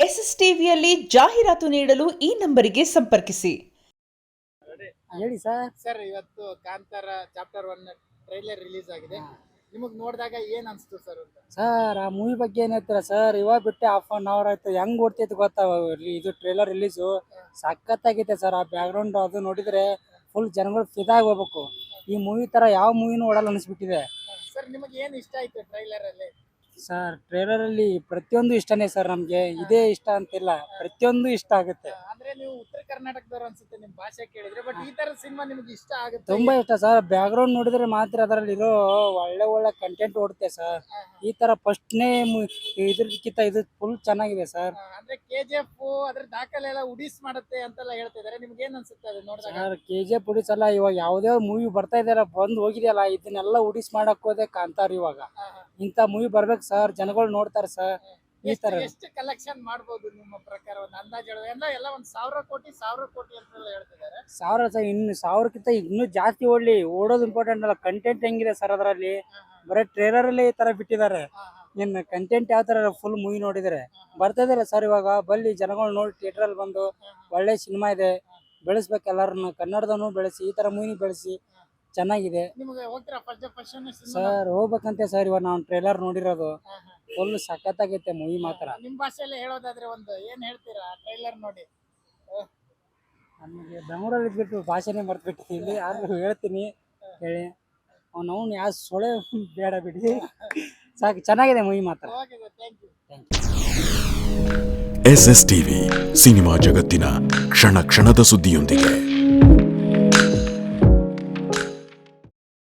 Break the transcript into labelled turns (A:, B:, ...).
A: S S ಟಿವಿಯಲ್ಲಿ ಜಾಹೀರಾತು ನೀಡಲು ಈ ನಂಬರಿಗೆ ಸಂಪರ್ಕಿಸಿ.
B: ಹೇಳಿ ಸರ್.
C: ಸರ್, ಇವತ್ತು ಕಾಂತಾರ ಚಾಪ್ಟರ್ 1 ಟ್ರೈಲರ್ ರಿಲೀಸ್ ಆಗಿದೆ. ನಿಮಗೆ ನೋಡಿದಾಗ ಏನ್ ಅನ್ಸ್ತು ಸರ್ ಅಂತ?
B: ಸರ್, ಆ ಮೂವಿ ಬಗ್ಗೆ ಏನ್ ಹೇಳ್ತೀರಾ ಸರ್? ಇವಾಗ ಬಿಟ್ಟೆ ಹಾಫ್ ಅನ್ ಅವರ್ ಆಯ್ತು. ಹೆಂಗ್ ಓಡ್ತೈತೆ ಗೊತ್ತಾ ಇದು ಟ್ರೈಲರ್ ರಿಲೀಸು? ಸಖತ್ತಾಗೈತೆ ಸರ್. ಆ ಬ್ಯಾಕ್ಗ್ರೌಂಡ್ ಅದು ನೋಡಿದ್ರೆ ಫುಲ್ ಜನಗಳು ಫಿದಾಗಿ ಹೋಗ್ಬೇಕು. ಈ ಮೂವಿ ತರ ಯಾವ ಮೂವಿನೂ ಓಡಲ್ಲ ಅನಿಸ್ಬಿಟ್ಟಿದೆ
C: ಸರ್. ನಿಮಗೆ ಏನ್ ಇಷ್ಟ ಆಯ್ತು ಟ್ರೈಲರ್ ಅಲ್ಲಿ?
B: ಸರ್, ಟ್ರೈಲರ್ ಅಲ್ಲಿ ಪ್ರತಿಯೊಂದು ಇಷ್ಟನೇ ಸರ್. ನಮ್ಗೆ ಇದೇ ಇಷ್ಟ ಅಂತಿಲ್ಲ, ಪ್ರತಿಯೊಂದು ಇಷ್ಟ ಆಗುತ್ತೆ.
C: ಅಂದ್ರೆ ನೀವು ಉತ್ತರ ಕರ್ನಾಟಕದವ್ರು ಅನ್ಸುತ್ತೆ ನಿಮ್ ಭಾಷೆ ಕೇಳಿದ್ರೆ. ಬಟ್ ಈ ತರ ಸಿನಿಮಾ ನಿಮ್ಗೆ ಇಷ್ಟ ಆಗುತ್ತೆ?
B: ತುಂಬಾ ಇಷ್ಟ ಸರ್. ಬ್ಯಾಕ್ಗ್ರೌಂಡ್ ನೋಡಿದ್ರೆ ಮಾತ್ರ ಅದರಲ್ಲಿ ಇರೋ ಒಳ್ಳೆ ಒಳ್ಳೆ ಕಂಟೆಂಟ್ ಓಡುತ್ತೆ ಸರ್. ಈ ತರ ಫಸ್ಟ್ನೇ ಇದ್ರಕ್ಕಿಂತ ಇದು ಫುಲ್ ಚೆನ್ನಾಗಿದೆ ಸರ್.
C: ಅಂದ್ರೆ KGF ಅದ್ರ ದಾಖಲೆ ಎಲ್ಲ ಉಡಿಸ್ ಮಾಡುತ್ತೆ ಅಂತೆಲ್ಲ ಹೇಳ್ತಿದಾರೆ. ನಿಮ್ಗೆ ಏನ್ ಅನ್ಸುತ್ತೆ ಅದು ನೋಡಿದಾಗ?
B: ಸರ್, KGF ಉಡಿಸ್ ಅಲ್ಲ, ಇವಾಗ ಯಾವ್ದೇ ಮೂವಿ ಬರ್ತಾ ಇದೆಯಲ್ಲ, ಬಂದು ಹೋಗಿದೆಯಲ್ಲ, ಇದನ್ನೆಲ್ಲ ಉಡಿಸ್ ಮಾಡಕ್ ಹೋದೆ ಕಾಂತಾರ. ಇವಾಗ ಇಂತ ಮೂವಿ ಬರ್ಬೇಕು ಸರ್, ಜನಗಳು ನೋಡ್ತಾರೆ ಸರ್. ಈ ತರ
C: ಎಷ್ಟು ಕಲೆಕ್ಷನ್ ಮಾಡ್ಬೋದು ನಿಮ್ಮ ಪ್ರಕಾರ? ಒಂದು ಅಂದಾಜು ಎಲ್ಲ ಒಂದ್ 1000 ಕೋಟಿ ಅಂತೆಲ್ಲ ಹೇಳ್ತಿದ್ದಾರೆ.
B: 1000 ಸರ್, ಇನ್ನು 1000ಕ್ಕಿಂತ ಇನ್ನೂ ಜಾಸ್ತಿ ಓಡ್ಲಿ. ಓಡೋದು ಇಂಪಾರ್ಟೆಂಟ್ ಅಲ್ಲ, ಕಂಟೆಂಟ್ ಹೆಂಗಿದೆ ಸರ್ ಅದರಲ್ಲಿ. ಬರೀ ಟ್ರೇಲರ್ ಅಲ್ಲಿ ಈ ತರ ಬಿಟ್ಟಿದ್ದಾರೆ. ಇನ್ನು ಕಂಟೆಂಟ್ ಯಾವ ತರ ಫುಲ್ ಮೂವಿ ನೋಡಿದ್ರೆ ಬರ್ತಾ ಇದೆಯಲ್ಲ ಸರ್. ಇವಾಗ ಬಲ್ಲಿ ಜನಗಳು ನೋಡಿ ಥಿಯೇಟರ್ ಅಲ್ಲಿ ಬಂದು ಒಳ್ಳೆ ಸಿನಿಮಾ ಇದೆ, ಬೆಳೆಸ್ಬೇಕು ಎಲ್ಲರನ್ನು. ಕನ್ನಡದನ್ನು ಬೆಳೆಸಿ, ಈ ತರ ಮೂವಿ ಬೆಳೆಸಿ, ಚೆನ್ನಾಗಿದೆ.
C: ನಿಮಗೆ ಹೋಗ್ತೀರಾ ಫಸ್ಟ್
B: ಸರ್? ಹೋಗ್ಬೇಕಂತೆ ಸರ್. ಇವಾಗ ನಾವು ಟ್ರೇಲರ್ ನೋಡಿರೋದು ಫುಲ್ ಸಖತ್ತಾಗೈತೆ ಮೂವಿ ಮಾತ್ರ.
C: ನಿಮ್ ಭಾಷೆಯಲ್ಲಿ ಹೇಳೋದಾದ್ರೆ ಒಂದು ಏನ್ ಹೇಳ್ತೀರಾ ಟ್ರೈಲರ್ ನೋಡಿ?
B: ನಮಗೆ ಬೆಂಗಳೂರಲ್ಲಿ ಇದ್ಬಿಟ್ಟು ಭಾಷೆನೇ ಮರ್ತ್ಬಿಟ್ಟಿದ್ದೀನಿ. ಇಲ್ಲಿ ಆದ್ರೂ ಹೇಳ್ತೀನಿ ಹೇಳಿ. ಅವ್ನು ಯಾವ ಸೊಳೆ ಬೇಡ ಬಿಡಿ, ಸಾಕು. ಚೆನ್ನಾಗಿದೆ ಮೂವಿ ಮಾತ್ರ.
D: ಎಸ್ಎಸ್ ಟಿವಿ, ಸಿನಿಮಾ ಜಗತ್ತಿನ ಕ್ಷಣ ಕ್ಷಣದ ಸುದ್ದಿಯೊಂದಿಗೆ.